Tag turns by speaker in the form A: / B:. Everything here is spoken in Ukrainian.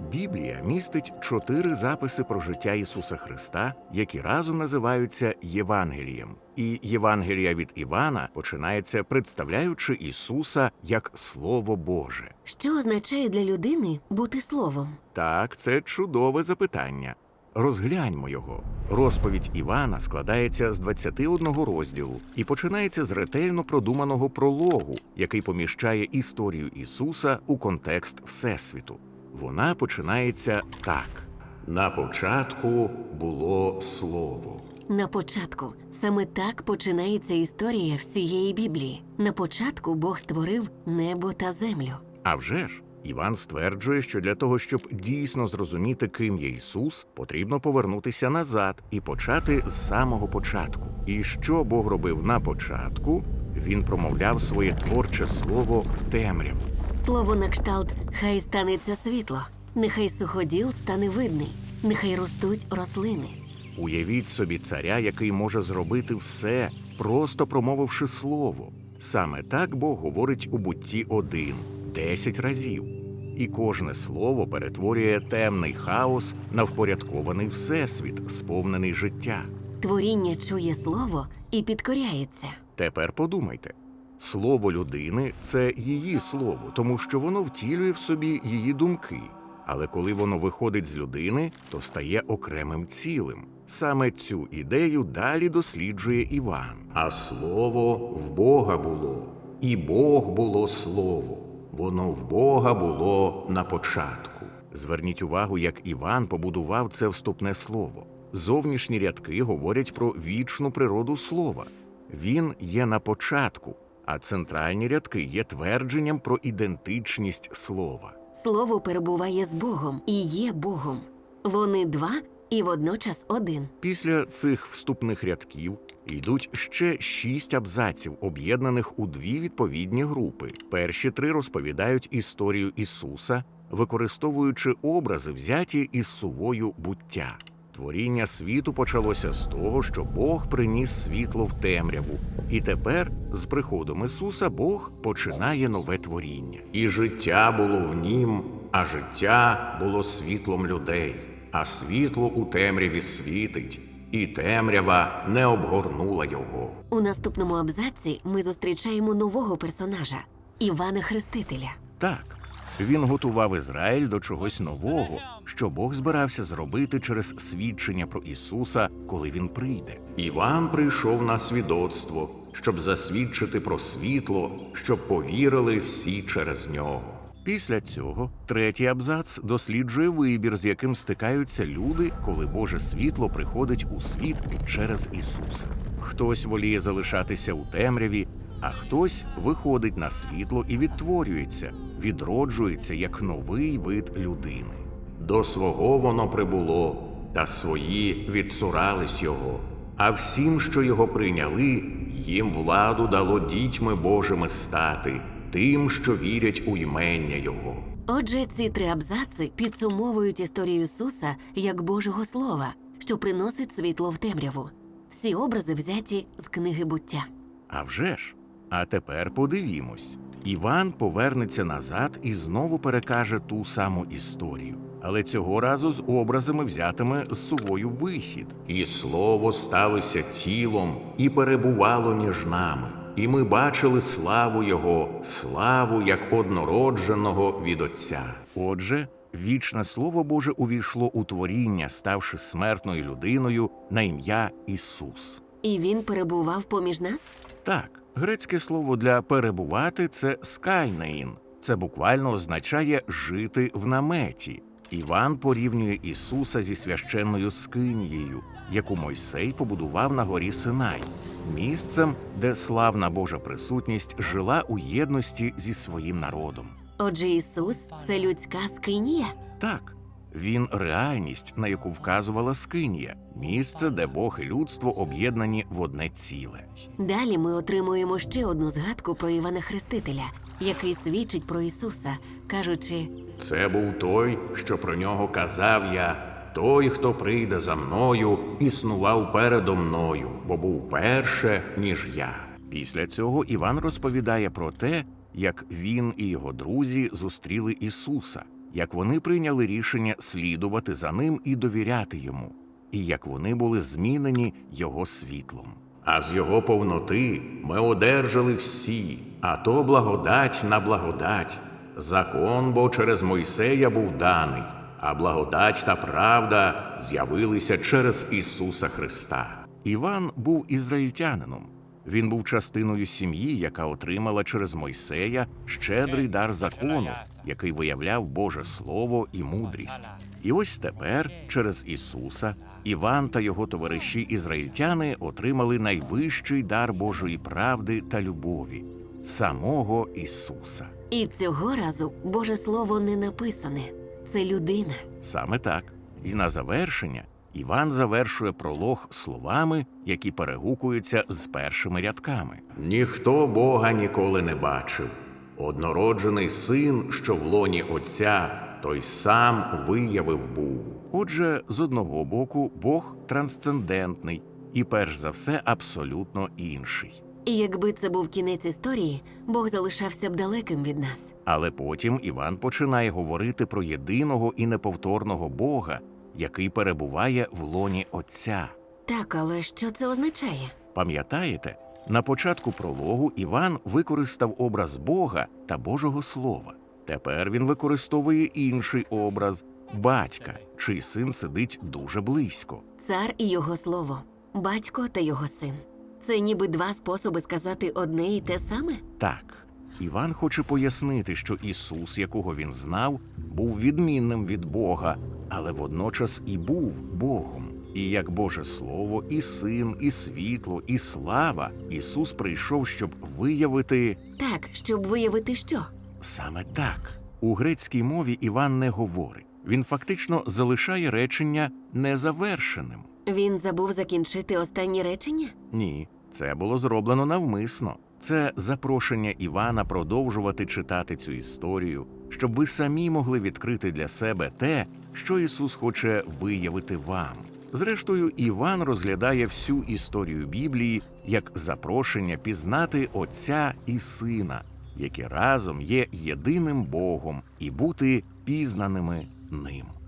A: Біблія містить 4 записи про життя Ісуса Христа, які разом називаються Євангелієм. І Євангелія від Івана починається, представляючи Ісуса як Слово Боже.
B: Що означає для людини бути словом?
A: Так, це чудове запитання. Розгляньмо його. Розповідь Івана складається з 21 розділу і починається з ретельно продуманого прологу, який поміщає історію Ісуса у контекст Всесвіту. Вона починається так. На початку було Слово.
B: На початку. Саме так починається історія всієї Біблії. На початку Бог створив небо та землю.
A: А вже ж, Іван стверджує, що для того, щоб дійсно зрозуміти, ким є Ісус, потрібно повернутися назад і почати з самого початку. І що Бог робив на початку? Він промовляв своє творче слово в темряву.
B: Слово на кшталт «Хай станеться світло», «Нехай суходіл стане видний», «Нехай ростуть рослини».
A: Уявіть собі царя, який може зробити все, просто промовивши слово. Саме так Бог говорить у Бутті 1, 10 разів. І кожне слово перетворює темний хаос на впорядкований всесвіт, сповнений життя.
B: Творіння чує слово і підкоряється.
A: Тепер подумайте. Слово людини – це її слово, тому що воно втілює в собі її думки. Але коли воно виходить з людини, то стає окремим цілим. Саме цю ідею далі досліджує Іван. А слово в Бога було, і Бог було слово. Воно в Бога було на початку. Зверніть увагу, як Іван побудував це вступне слово. Зовнішні рядки говорять про вічну природу слова. Він є на початку, а центральні рядки є твердженням про ідентичність слова.
B: Слово перебуває з Богом і є Богом. Вони два і водночас один.
A: Після цих вступних рядків йдуть ще 6 абзаців, об'єднаних у 2 відповідні групи. Перші 3 розповідають історію Ісуса, використовуючи образи, взяті із сувою буття. Творіння світу почалося з того, що Бог приніс світло в темряву. І тепер, з приходом Ісуса, Бог починає нове творіння. І життя було в нім, а життя було світлом людей. А світло у темряві світить, і темрява не обгорнула його.
B: У наступному абзаці ми зустрічаємо нового персонажа – Івана Хрестителя.
A: Так, він готував Ізраїль до чогось нового, що Бог збирався зробити через свідчення про Ісуса, коли Він прийде. Іван прийшов на свідоцтво, щоб засвідчити про світло, щоб повірили всі через нього. Після цього 3-й абзац досліджує вибір, з яким стикаються люди, коли Боже світло приходить у світ через Ісуса. Хтось воліє залишатися у темряві, а хтось виходить на світло і відтворюється, відроджується як новий вид людини. До свого воно прибуло, та свої відцурались його. А всім, що його прийняли, їм владу дало дітьми Божими стати, тим, що вірять у імення Його.
B: Отже, ці 3 абзаци підсумовують історію Ісуса як Божого Слова, що приносить світло в темряву. Всі образи взяті з книги «Буття».
A: А вже ж! А тепер подивімось. Іван повернеться назад і знову перекаже ту саму історію. Але цього разу з образами, взятими з сувою вихід. «І слово сталося тілом, і перебувало між нами. І ми бачили славу Його, славу як однородженого від Отця». Отже, вічне Слово Боже увійшло у творіння, ставши смертною людиною на ім'я Ісус.
B: І Він перебував поміж нас?
A: Так, грецьке слово для «перебувати» – це «скайнеїн». Це буквально означає «жити в наметі». Іван порівнює Ісуса зі священною скинією, яку Мойсей побудував на горі Синай, місцем, де славна Божа присутність жила у єдності зі своїм народом.
B: Отже, Ісус – це людська скинія?
A: Так, Він – реальність, на яку вказувала скинія, місце, де Бог і людство об'єднані в одне ціле.
B: Далі ми отримуємо ще одну згадку про Івана Хрестителя, який свідчить про Ісуса, кажучи:
A: «Це був той, що про нього казав я, той, хто прийде за мною, існував передо мною, бо був перше, ніж я». Після цього Іван розповідає про те, як він і його друзі зустріли Ісуса. як вони прийняли рішення слідувати за ним і довіряти йому, і як вони були змінені його світлом. А з його повноти ми одержали всі, а то благодать на благодать. Закон бо через Мойсея був даний, а благодать та правда з'явилися через Ісуса Христа. Іван був ізраїльтянином. Він був частиною сім'ї, яка отримала через Мойсея щедрий дар закону, який виявляв Боже Слово і мудрість. І ось тепер, через Ісуса, Іван та його товариші-ізраїльтяни отримали найвищий дар Божої правди та любові – самого Ісуса.
B: І цього разу Боже Слово не написане. Це людина.
A: Саме так. І на завершення Іван завершує пролог словами, які перегукуються з першими рядками. «Ніхто Бога ніколи не бачив. Однороджений син, що в лоні Отця, той сам виявив був». Отже, з одного боку, Бог трансцендентний і, перш за все, абсолютно інший.
B: І якби це був кінець історії, Бог залишався б далеким від нас.
A: Але потім Іван починає говорити про єдиного і неповторного Бога, який перебуває в лоні Отця.
B: Так, але що це означає?
A: Пам'ятаєте, на початку прологу Іван використав образ Бога та Божого Слова. Тепер він використовує інший образ – батька, чий син сидить дуже близько.
B: Цар і його слово, батько та його син. Це ніби два способи сказати одне і те саме?
A: Так, Іван хоче пояснити, що Ісус, якого він знав, був відмінним від Бога, але водночас і був Богом. І як Боже Слово, і Син, і світло, і слава, Ісус прийшов, щоб виявити…
B: Так, щоб виявити що?
A: Саме так. У грецькій мові Іван не говорить. Він фактично залишає речення незавершеним.
B: Він забув закінчити останнє речення?
A: Ні, це було зроблено навмисно. Це запрошення Івана продовжувати читати цю історію, щоб ви самі могли відкрити для себе те, що Ісус хоче виявити вам. Зрештою, Іван розглядає всю історію Біблії як запрошення пізнати Отця і Сина, які разом є єдиним Богом, і бути пізнаними ним.